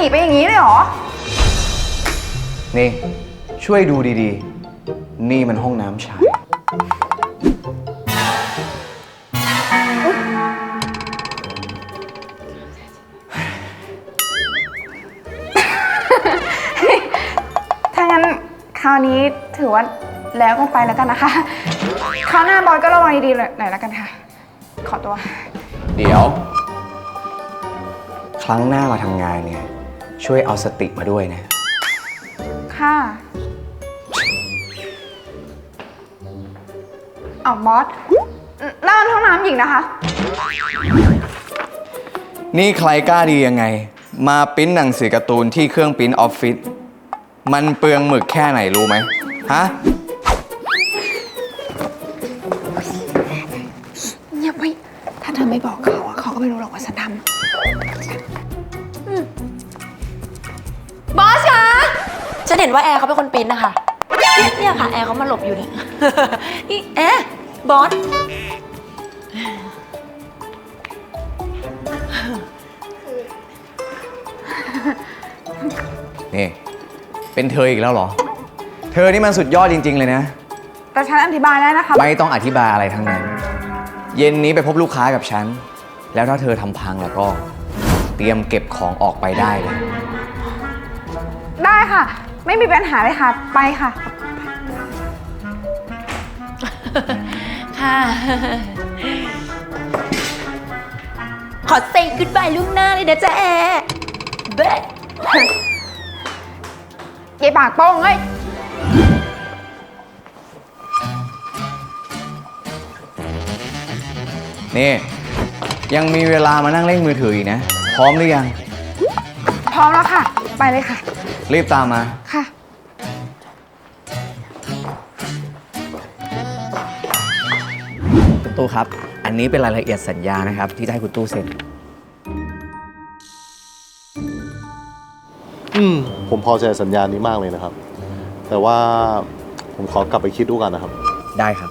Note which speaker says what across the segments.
Speaker 1: นีไปอย่างนี้เลยเหรอ
Speaker 2: นี่ช่วยดูดีๆนี่มันห้องน้ำชาย
Speaker 1: ถ้างั้นคราวนี้ถือว่าแล้วกันไปแล้วกันนะคะคราวหน้าบอยก็ระวังดีๆหน่อยแล้วกันค่ะขอตัว
Speaker 2: เดี๋ยว ครั้งหน้ามาทำงานเนี่ยช่วยเอาสติมาด้วยนะ
Speaker 1: ค่ะเอาบอสนั่นห้องน้ำหญิงนะคะ
Speaker 2: นี่ใครกล้าดียังไงมาปริ้นหนังสือการ์ตูนที่เครื่องปริ้นออฟฟิศมันเปลืองหมึกแค่ไหนรู้ไหมฮะ
Speaker 1: เงียบไว้ถ้าเธอไม่บอกเขาเขาก็ไม่รู้หรอกว่าฉันทำ
Speaker 3: บอสคะฉันเห็นว่าแอร์เขาเป็นคนปริ้นนะคะเนี่ยค่ะแอร์เขามาหลบอยู่เนี่ยนี่แอร์บอส
Speaker 2: นี่เป็นเธออีกแล้วเหรอเธอนี่มันสุดยอดจริงๆเลยนะ
Speaker 1: แต่ฉันอธิบายได้นะคะ
Speaker 2: ไม่ต้องอธิบายอะไรทั้งนั้น เย็นนี้ไปพบลูกค้ากับฉันแล้วถ้าเธอทำพังแล้วก็เตรียมเก็บของออกไปได้เลย
Speaker 1: ได้ค่ะไม่มีปัญหาเลยค่ะไปค่ะ
Speaker 3: ค่ะขอเซ็งกุ๊ดบายล่วงหน้าเลยนะจ๊ะแอร์เบ๊ะ
Speaker 1: ยายปากโป้งเอ้ย
Speaker 2: นี่ยังมีเวลามานั่งเล่นมือถืออีกนะพร้อมหรือยัง
Speaker 1: พร้อมแล้วค่ะไปเลยค่ะ
Speaker 2: รีบตามมา
Speaker 1: ค่ะ
Speaker 2: คุณตู้ครับอันนี้เป็นรายละเอียดสัญญานะครับที่จะให้คุณตู้เซ็น
Speaker 4: ผมพอใจสัญญานี้มากเลยนะครับแต่ว่าผมขอกลับไปคิดดูกันนะครับ
Speaker 2: ได้ครับ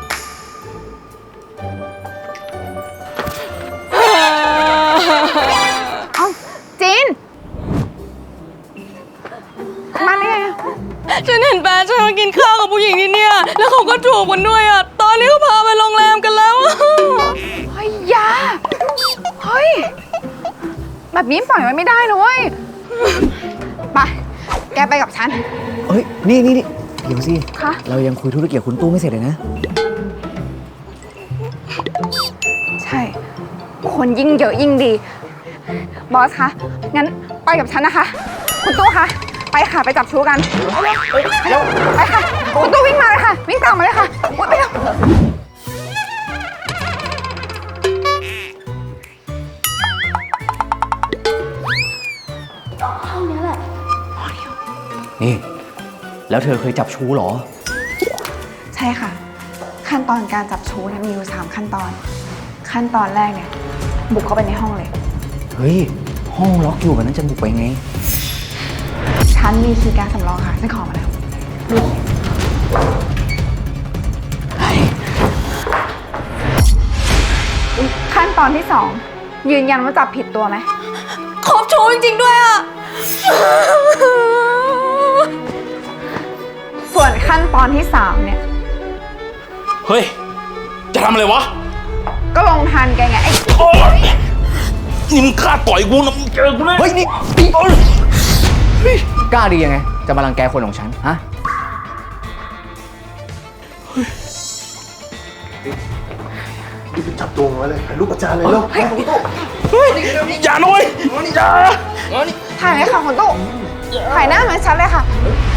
Speaker 1: เอาจีนมาเนี่ย
Speaker 3: ฉันเห็นแฟนฉันมากินข้าวกับผู้หญิงที่เนี่ยแล้วเขาก็จูบกันด้วยอ่ะตอนนี้เขาพาไปโรงแรมกันแล้ว
Speaker 1: เฮ้ยยาเฮ้ยแบบนี้ปล่อยไว้ไม่ได้นะเว้ยไปแกไปกับฉัน
Speaker 2: เฮ้ยนี่เดี๋ยวสิ
Speaker 1: คะ
Speaker 2: เรายังคุยธุรกิจกับคุณตู้ไม่เสร็จเลยนะ
Speaker 1: ใช่คนยิ่งเยอะยิ่งดีบอสคะงั้นไปกับฉันนะคะคุณตู้คะไปค่ะไปจับชูกันไปค่ะคุณตู้วิ่งมาเลยค่ะวิ่งตามมาเลยค่ะไปเร็ว
Speaker 3: ห้องนี้แหละ
Speaker 2: นี่แล้วเธอเคยจับชูเหรอ
Speaker 1: ใช่ค่ะขั้นตอนการจับชูเนี่ยมีอยู่3ขั้นตอนขั้นตอนแรกเนี่ยบุกเข้าไปในห้องเลย
Speaker 2: เฮ้ยห้องล็อกอยู่แบบนั้นจะบุกไปไง
Speaker 1: ฉันมีคีย์การ์ดสำรองค่ะฉันขอมาแล้วขั้นตอนที่2ยืนยันว่าจับผิดตัวไหม
Speaker 3: ครบชูจริงๆด้วยอ่ะ
Speaker 1: ส่วนขั้นตอนที่3เนี่ย
Speaker 5: เฮ้ยจะทำอะไรวะ
Speaker 1: ก็ลงทันแกไงไอ้
Speaker 5: นี่มึงกล้าต่อยกูนะมึงเจอกูเลย
Speaker 2: เฮ้ยนี่กล้าดียังไงจะมารังแกคนของฉันฮะ
Speaker 4: รีบไปจับตัวไว้เลยถ่ายรูปประจานเลยแล้ว
Speaker 5: อย่าหน่อยอย่า
Speaker 1: ถ่ายเลยค่ะคุณตู้ถ่ายหน้าเหมือนฉันเลยค่ะ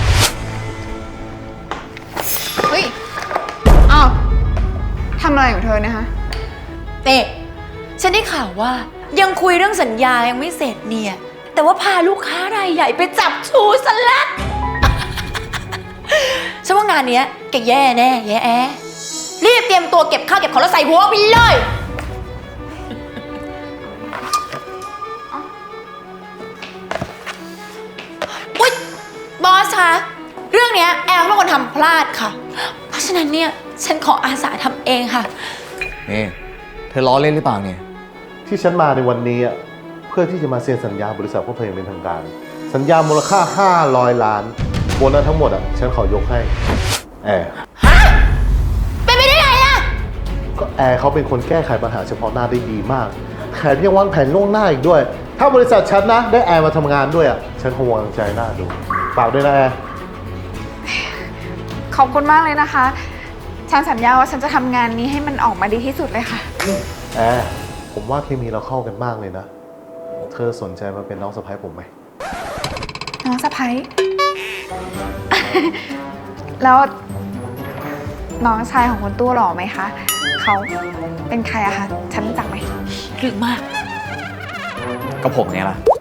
Speaker 1: เฮ้ยอ้าวทำอะไรของเธอเนี่ยฮะ
Speaker 3: เอ๊ะฉันได้ข่าวว่ายังคุยเรื่องสัญญายังไม่เสร็จเนี่ยแต่ว่าพาลูกค้ารายใหญ่ไปจับชูซะแล้วฉันว่างานเนี้ยแกแย่แน่แย่แอรีบเตรียมตัวเก็บข้าวเก็บของแล้วใส่หัวไปเลยอุ๊ยบอสคะเรื่องเนี้ยแอลเป็นคนทำพลาดค่ะเพราะฉะนั้นเนี่ยฉันขออาสาทำเองค่ะ
Speaker 2: นี่เธอล้อเล่นหรือเปล่าเนี่ย
Speaker 4: ที่ฉันมาในวันนี้อ่ะเพื่อที่จะมาเซ็นสัญญาบริษัทพวกเธออย่างเป็นทางการ สัญญามูลค่า500 ล้านโบนัสทั้งหมดฉันขอยกให้แอร์
Speaker 3: เป็นไปได้ไงอะ
Speaker 4: ก็แอร์เขาเป็นคนแก้ไขปัญหาเฉพาะหน้าได้ดีมากแถมยังวางแผนล่วงหน้าอีกด้วย ถ้าบริษัทฉันนะได้แอร์มาทำงานด้วยฉันคงวางใจหน้าดูฝากด้วยนะแอร์
Speaker 1: ขอบคุณมากเลยนะคะ ฉันสัญญาว่าฉันจะทำงานนี้ให้มันออกมาดีที่สุดเลยค่ะ
Speaker 4: แอร์ผมว่าเคมีเราเข้ากันมากเลยนะ เธอสนใจมาเป็นน้องสะใภ้ผมไหม
Speaker 1: น้องสะพ้ย แล้วน้องชายของคุณตู้หล่อไหมคะ เขาเป็นใครอะคะ ฉันรู้จักไหม
Speaker 3: หรือมาก
Speaker 2: ก็ผมเนี่ยล่ะ